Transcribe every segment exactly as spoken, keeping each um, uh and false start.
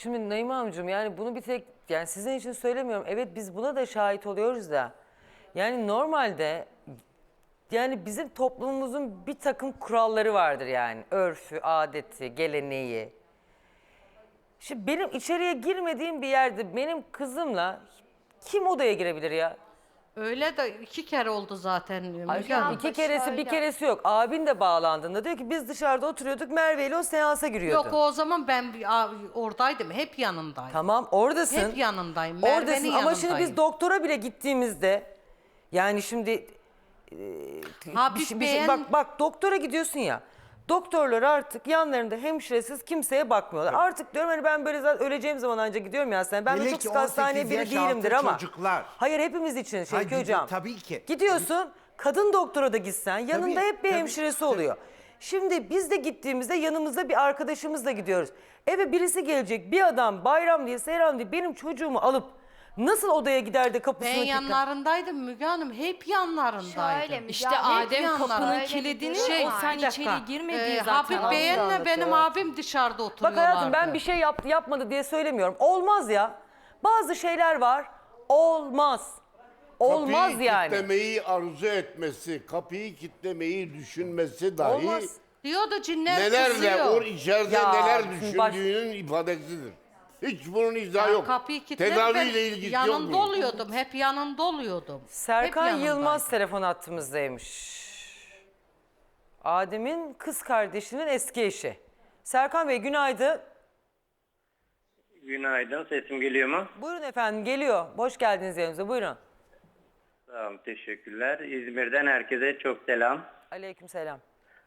Şimdi Naime Hanımcığım, yani bunu bir tek yani sizin için söylemiyorum. Evet, biz buna da şahit oluyoruz da. Yani normalde yani bizim toplumumuzun bir takım kuralları vardır yani. Örfü, adeti, geleneği. Şimdi benim içeriye girmediğim bir yerde benim kızımla kim odaya girebilir ya? Öyle de iki kere oldu zaten. Müge Ayşe Hanım. iki keresi bir keresi yok. Abin de bağlandığında diyor ki biz dışarıda oturuyorduk, Merve ile o seansa giriyordu. Yok, o zaman ben bir- a- oradaydım. Hep yanındaydım. Tamam, oradasın. Hep yanındayım. Merve'nin Oradasın ama yanındayım. şimdi biz doktora bile gittiğimizde yani şimdi e, Ha, bir bir şey- bir şey- beğen- bak bak doktora gidiyorsun ya. Doktorlar artık yanlarında hemşiresiz kimseye bakmıyorlar. Artık diyorum hani ben böyle zaten öleceğim zaman ancak gidiyorum ya sen. Ben de Hele çok ki sık hastaneye on sekiz biri yaş değilimdir altı ama. çocuklar. Hayır, hepimiz için Şevki Hayır, Hocam. tabii ki. Gidiyorsun kadın doktora da gitsen yanında Tabii, hep bir tabii, hemşiresi tabii. oluyor. Şimdi biz de gittiğimizde yanımızda bir arkadaşımızla gidiyoruz. Eve birisi gelecek, bir adam bayram diye seyran diye benim çocuğumu alıp nasıl odaya gider de kapısını Ben kilitler? yanlarındaydım Müge Hanım. Hep yanlarındaydım. Şöyle mi? İşte Ya, hep Adem yanlar. kapının Öyle bir kilidini durum şey, var. sen Bir dakika. içeri girmediği Ee, zaten. Habib anlatıyor. Bey'inle benim abim dışarıda Bak oturuyorlardı. hayatım, ben bir şey yaptı yapmadı diye söylemiyorum. Olmaz ya. Bazı şeyler var. Olmaz. Olmaz Kapıyı yani. kitlemeyi arzu etmesi, kapıyı kitlemeyi düşünmesi dahi Olmaz. Diyordu cinler nelerle kızıyor. o içeride Ya, neler şimdi baş- düşündüğünün ifadesidir. Hiç bunun izahı Ya yok. Kapıyı kilitler, ben Tedaviyle ilgisi yok yanında bunun. oluyordum. Hep yanında oluyordum. Serkan Hep Yılmaz yanındaydım. telefon hattımızdaymış. Adem'in kız kardeşinin eski eşi. Serkan Bey günaydın. Günaydın, sesim geliyor mu? Buyurun efendim, geliyor. Hoş geldiniz yanımıza, buyurun. Tamam, teşekkürler. İzmir'den herkese çok selam. Aleykümselam.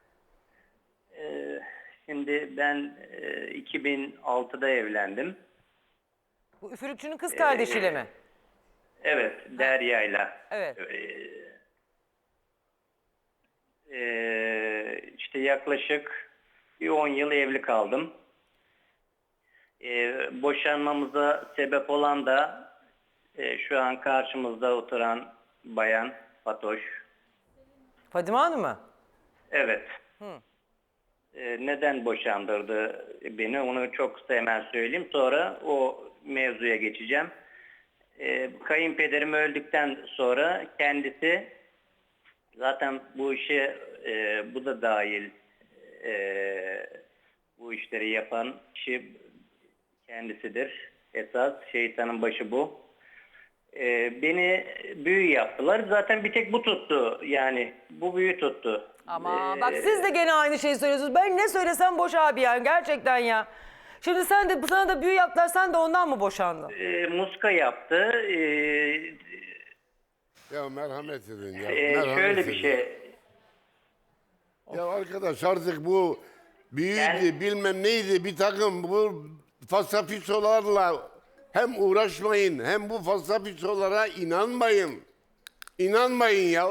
Ee, şimdi ben e, iki bin altıda evlendim. Bu üfürükçünün kız kardeşiyle mi? Evet, Derya'yla. Evet. Ee, işte yaklaşık bir on yıl evli kaldım. Ee, boşanmamıza sebep olan da e, şu an karşımızda oturan bayan Fatoş. Fadime Hanım mı? Evet. Ee, neden boşandırdı beni, onu çok kısa hemen söyleyeyim. Sonra o mevzuya geçeceğim. Ee, kayınpederim öldükten sonra kendisi zaten bu işe e, bu da dahil e, bu işleri yapan kişi kendisidir. Esas şeytanın başı bu. Ee, beni büyü yaptılar. Zaten bir tek bu tuttu. Yani bu büyü tuttu. Ama Ee, bak siz de gene aynı şeyi söylüyorsunuz. Ben ne söylesem boş abi yani gerçekten ya. Şimdi sen de sana da büyü yaptılar, sen de ondan mı boşandın? e, muska yaptı. E, Ya merhamet edin ya. e, merhamet şöyle edin. bir şey. Ya arkadaş artık bu büyüydü Ben- bilmem neydi bir takım bu fasafisolarla hem uğraşmayın hem bu fasafisolara inanmayın. İnanmayın ya.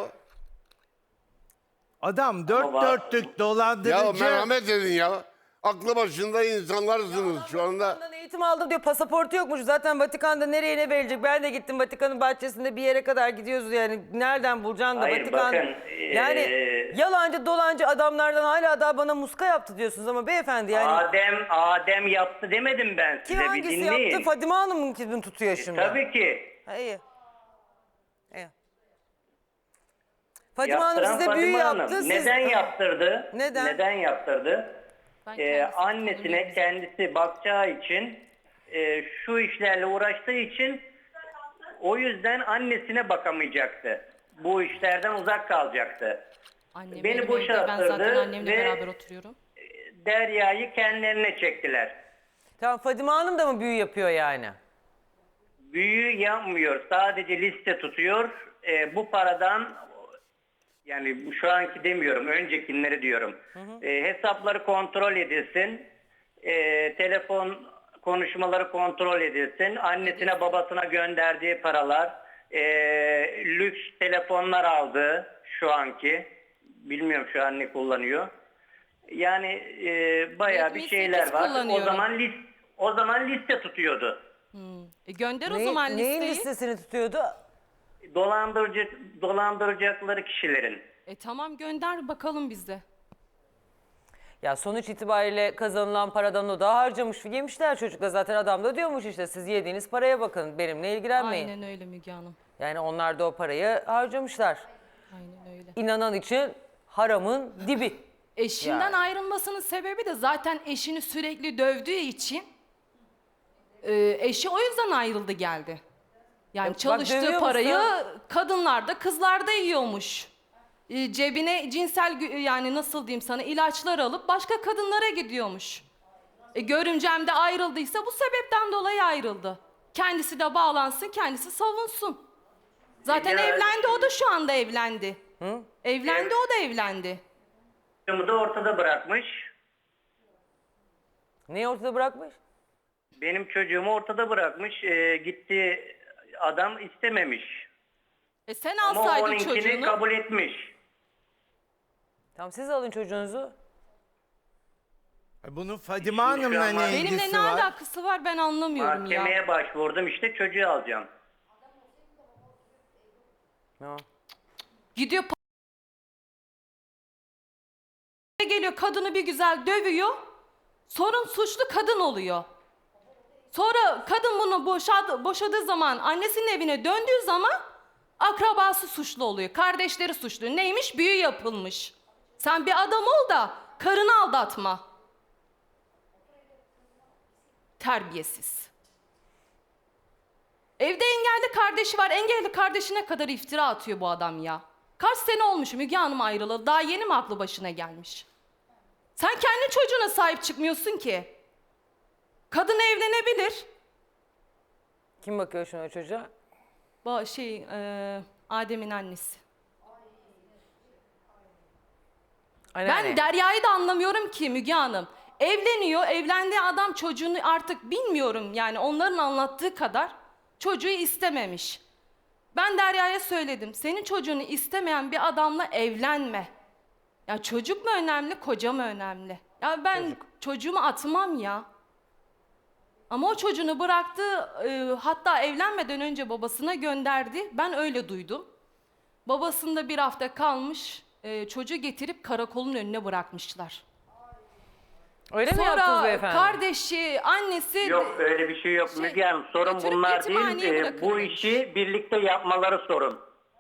Adam dört Ama- dörtlük Ya dolandırıcı. merhamet edin ya. Aklı başında insanlarsınız şu anda. Vatikan'dan eğitim aldım diyor, pasaportu yokmuş. Zaten Vatikan'da nereye ne verilecek? Ben de gittim Vatikan'ın bahçesinde bir yere kadar gidiyoruz yani. Nereden bulacaksın da Hayır, Vatikan? bakın, Yani ee, yalancı dolancı adamlardan hala daha bana muska yaptı diyorsunuz ama beyefendi yani. Adem Adem yaptı demedim ben Kim size, bir hangisi dinleyin. yaptı? Fadime Hanım mı kimi tutuyor şimdi? Tabii ki. Ha, iyi. İyi. Fadime Hanım Yaptıran size büyü Fadime Hanım. yaptı. siz- Neden yaptırdı? Neden? Neden yaptırdı? Ben Ee, kendisi annesine tanımıyorum. kendisi bakacağı için, e, şu işlerle uğraştığı için, o yüzden annesine bakamayacaktı. Bu işlerden uzak kalacaktı. Annem Beni benim evde, boşalttırdı ben zaten annemle ve- beraber oturuyorum. Derya'yı kendilerine çektiler. Tamam, Fadime Hanım da mı büyü yapıyor yani? Büyü yapmıyor. Sadece liste tutuyor. Ee, bu paradan, yani bu şu anki demiyorum, öncekileri diyorum. Ee, hesapları kontrol edilsin. Ee, telefon konuşmaları kontrol edilsin. Annesine babasına gönderdiği paralar. ee, lüks telefonlar aldı şu anki. Bilmiyorum şu an ne kullanıyor. Yani ee, bayağı bir Redmi şeyler sekiz var. O kullanıyorum. zaman list o zaman liste tutuyordu. E gönder o Ne- zaman neyin listeyi. listesini tutuyordu? Dolandırıcı dolandıracakları kişilerin. E tamam, gönder bakalım bizde. Ya sonuç itibariyle kazanılan paradan o da harcamış. Yemişler çocuklar zaten, adam da diyormuş işte siz yediğiniz paraya bakın, benimle ilgilenmeyin. Aynen öyle Müge Hanım. Yani onlar da o parayı harcamışlar. Aynen öyle. İnanan için haramın dibi. Eşinden Yani. ayrılmasının sebebi de zaten eşini sürekli dövdüğü için e, eşi o yüzden ayrıldı geldi. Yani E, bak, çalıştığı dövüyor parayı musun? kadınlarda, kızlarda yiyormuş. E, cebine cinsel gü- yani nasıl diyeyim sana ilaçlar alıp başka kadınlara gidiyormuş. E, görümcem de ayrıldıysa bu sebepten dolayı ayrıldı. Kendisi de bağlansın, kendisi savunsun. Zaten Ya- evlendi, o da şu anda evlendi. Evlendi, Evet. o da evlendi. Çocuğumu da ortada bırakmış. Neyi ortada bırakmış? Benim çocuğumu ortada bırakmış. Ee, gitti adam istememiş. E sen Ama alsaydın onunkini çocuğunu. kabul etmiş. Tamam, siz alın çocuğunuzu. Bunun Fadime Hanım'la an ne Benimle ilgisi ne var? alakası var ben anlamıyorum ya. Mahkemeye başvurdum, işte çocuğu alacağım. Tamam. Gidiyor pa- geliyor kadını bir güzel dövüyor. Sorun suçlu kadın oluyor. Sonra kadın bunu boşadı, boşadığı zaman annesinin evine döndüğü zaman akrabası suçlu oluyor. Kardeşleri suçlu. Neymiş? Büyü yapılmış. Sen bir adam ol da karını aldatma. Terbiyesiz. Evde engelli kardeşi var. Engelli kardeşine kadar iftira atıyor bu adam ya. Kaç sene olmuş Müge Hanım ayrılalı. Daha yeni mi aklı başına gelmiş? Sen kendi çocuğuna sahip çıkmıyorsun ki. Kadın evlenebilir. Kim bakıyor şimdi o çocuğa? Bu şey e, Adem'in annesi. Anneanne. Ben Derya'yı da anlamıyorum ki Müge Hanım. Evleniyor, evlendiği adam çocuğunu artık bilmiyorum yani onların anlattığı kadar çocuğu istememiş. Ben Derya'ya söyledim, senin çocuğunu istemeyen bir adamla evlenme. Ya çocuk mu önemli, koca mı önemli? Ya ben çocuğumu atmam ya. Ama o çocuğunu bıraktı, e, hatta evlenmeden önce babasına gönderdi. Ben öyle duydum. Babasında bir hafta kalmış, e, çocuğu getirip karakolun önüne bırakmışlar. Öyle mi yaptınız Sonra beyefendi? kardeşi, annesi... Yok öyle bir şey yok Şey, Müge Hanım. Sorun götürüp bunlar değil. yetimhaneye Ee, bırakın bu demiş. işi birlikte yapmaları sorun.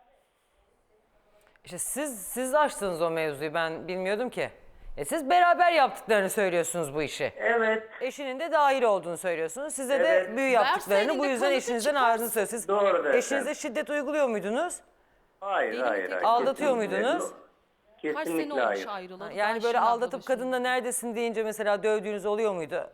İşte siz siz açtınız o mevzuyu, ben bilmiyordum ki. E siz beraber yaptıklarını söylüyorsunuz bu işi. Evet. Eşinin de dahil olduğunu söylüyorsunuz. Size de Evet. büyü yaptıklarını, Verseydin bu de yüzden kanıtı eşinizden çıkarsın. ayrıldığını söylüyorsunuz. Doğrudur Eşinize efendim. şiddet uyguluyor muydunuz? Hayır, Benim hayır, tek- hayır. Aldatıyor Kesinlikle muydunuz? yok. Kaç sene Kesinlikle olmuş hayır. ayrılalı. Yani Ben böyle şimdi aldatıp aklı kadınla başımda. neredesin deyince mesela dövdüğünüz oluyor muydu?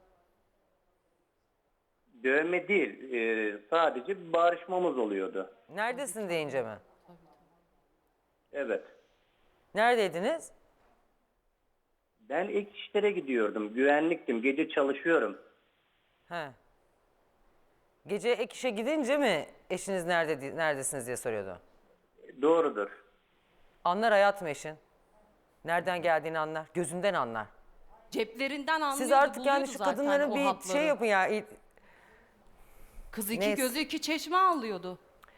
Dövme değil. e, sadece bir barışmamız oluyordu. Neredesin deyince mi? Evet. Neredeydiniz? Ben ek işlere gidiyordum. Güvenliktim. Gece çalışıyorum. He. Gece ek işe gidince mi eşiniz nerede neredesiniz diye soruyordu. Doğrudur. Anlar hayatım eşin. Nereden geldiğini anlar. Gözünden anlar. Ceplerinden anlıyordu, Siz artık yani buluyordu şu zaten kadınların o bir hapları. şey yapın ya. İ- Kız iki Neyse. gözü iki çeşme alıyordu.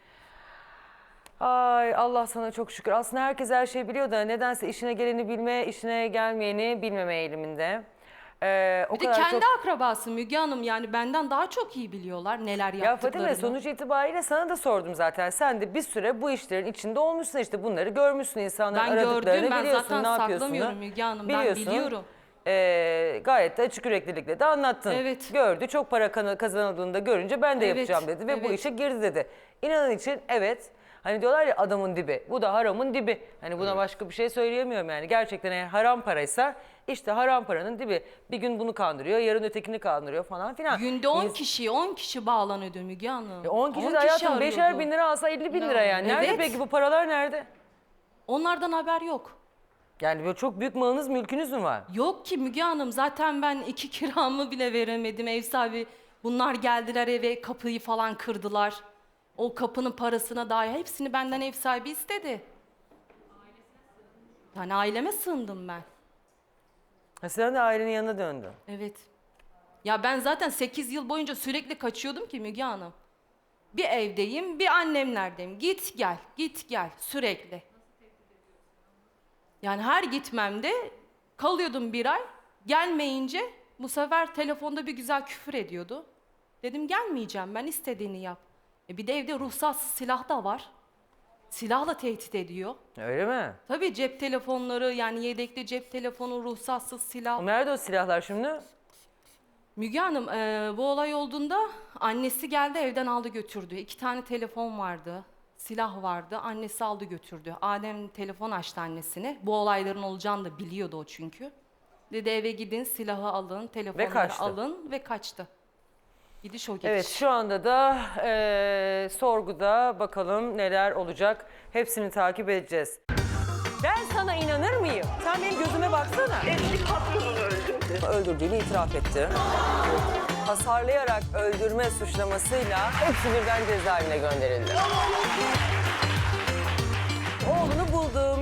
Ay Allah sana çok şükür. Aslında herkes her şeyi biliyor da nedense işine geleni bilme, işine gelmeyeni bilmeme eğiliminde. Ee, o Bir de kadar kendi çok... akrabası Müge Hanım yani benden daha çok iyi biliyorlar neler Ya yaptıklarını. Fatime, sonuç itibariyle sana da sordum zaten. Sen de bir süre bu işlerin içinde olmuşsun, işte bunları görmüşsün, insanların Ben aradıklarını gördüm, ben biliyorsun, zaten ne yapıyorsun. saklamıyorum Müge Hanım, ben biliyorsun. biliyorum. Ee, gayet de açık yüreklilikle de anlattın. Evet. Gördü, çok para kana- kazanıldığında görünce ben de Evet, yapacağım dedi ve bu evet. işe girdi dedi. İnanın için evet, hani diyorlar ya adamın dibi, bu da haramın dibi. Hani buna başka bir şey söyleyemiyorum yani. Gerçekten eğer haram paraysa işte haram paranın dibi. Bir gün bunu kandırıyor, yarın ötekini kandırıyor falan filan. Günde on İns- kişi, on kişi bağlanıyordu Müge Hanım. E on kişi de hayatım beşer bin lira alsa elli bin lira yani. Nerede Evet. peki bu paralar nerede? Onlardan haber yok. Yani böyle çok büyük malınız, mülkünüz mü var? Yok ki Müge Hanım, zaten ben iki kiramı bile veremedim. Ev sahibi bunlar geldiler eve, kapıyı falan kırdılar. O kapının parasına dair hepsini benden ev sahibi istedi. Yani aileme sığındım ben. Ha, sen de ailenin yanına döndün. Evet. Ya ben zaten sekiz yıl boyunca sürekli kaçıyordum ki Müge Hanım. Bir evdeyim, bir annemlerdeyim. Git gel, git gel sürekli. Yani her gitmemde Kalıyordum bir ay. Gelmeyince bu sefer telefonda bir güzel küfür ediyordu. Dedim gelmeyeceğim, ben istediğini yap. E bir de evde ruhsatsız silah da var. Silahla tehdit ediyor. Öyle mi? Tabii cep telefonları, yani yedekli cep telefonu, ruhsatsız silah. Nerede o silahlar şimdi? Müge Hanım, e, bu olay olduğunda annesi geldi, evden aldı götürdü. İki tane telefon vardı, silah vardı. Annesi aldı götürdü. Adem telefon açtı annesine. Bu olayların olacağını da biliyordu o çünkü. Dedi eve gidin, silahı alın, telefonları kaçtı. alın ve kaçtı. Gidiş o gidiş. Evet, şu anda da eee, sorguda bakalım neler olacak. Hepsini takip edeceğiz. Ben sana inanır mıyım? Sen benim gözüme baksana. Eski patronunu öldürdü. Öldürdüğünü itiraf etti. Hasarlayarak öldürme suçlamasıyla hepsi birden cezaevine gönderildi. Oğlunu buldu.